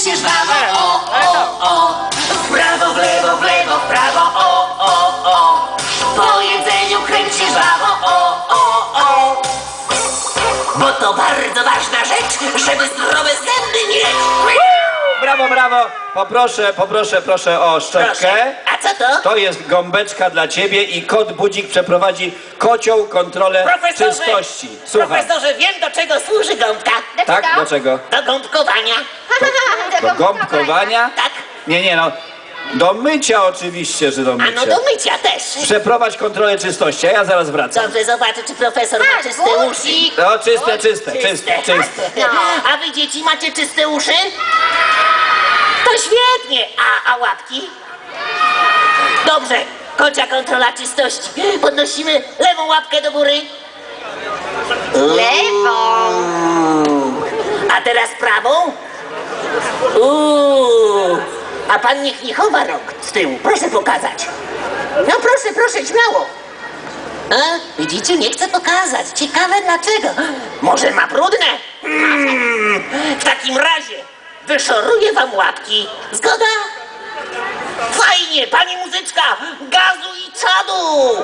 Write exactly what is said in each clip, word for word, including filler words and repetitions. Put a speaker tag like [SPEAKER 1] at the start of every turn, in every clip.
[SPEAKER 1] się żwawo, o, o, o. W prawo, w lewo, w lewo, w prawo, o, o, o. Po jedzeniu kręć się żwawo, o, o, o. Bo to bardzo ważna rzecz, żeby zdrowe zęby mieć.
[SPEAKER 2] Brawo, brawo! Poproszę, poproszę, proszę o szczotkę.
[SPEAKER 1] Proszę. A co to?
[SPEAKER 2] To jest gąbeczka dla ciebie i kot Budzik przeprowadzi kocią kontrolę
[SPEAKER 1] Profesorze,
[SPEAKER 2] czystości. Słucham.
[SPEAKER 1] profesorze, wiem, do czego służy gąbka.
[SPEAKER 2] Tak? Do czego?
[SPEAKER 1] Do gąbkowania.
[SPEAKER 2] Do gąbkowania?
[SPEAKER 1] Tak.
[SPEAKER 2] Nie, nie, no. Do mycia oczywiście, że do
[SPEAKER 1] A
[SPEAKER 2] mycia.
[SPEAKER 1] no do mycia też.
[SPEAKER 2] Przeprowadź kontrolę czystości, a ja zaraz wracam.
[SPEAKER 1] Dobrze, zobaczę, czy profesor ma czyste uszy.
[SPEAKER 2] No, czyste, czyste, czyste, czyste.
[SPEAKER 1] A wy, dzieci, macie czyste uszy? To świetnie. A, a łapki? Dobrze, kocia kontrola czystości. Podnosimy lewą łapkę do góry.
[SPEAKER 3] Lewą.
[SPEAKER 1] A teraz prawą. Uuu. A pan niech nie chowa rąk z tyłu. Proszę pokazać. No proszę, proszę, śmiało. A, widzicie, nie chcę pokazać. Ciekawe dlaczego. Może ma brudne? Mm, w takim razie wyszoruję wam łapki. Zgoda? Fajnie, pani muzyczka. Gazu i czadu.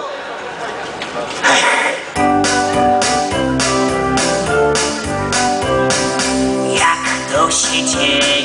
[SPEAKER 1] Jak to się dzieje?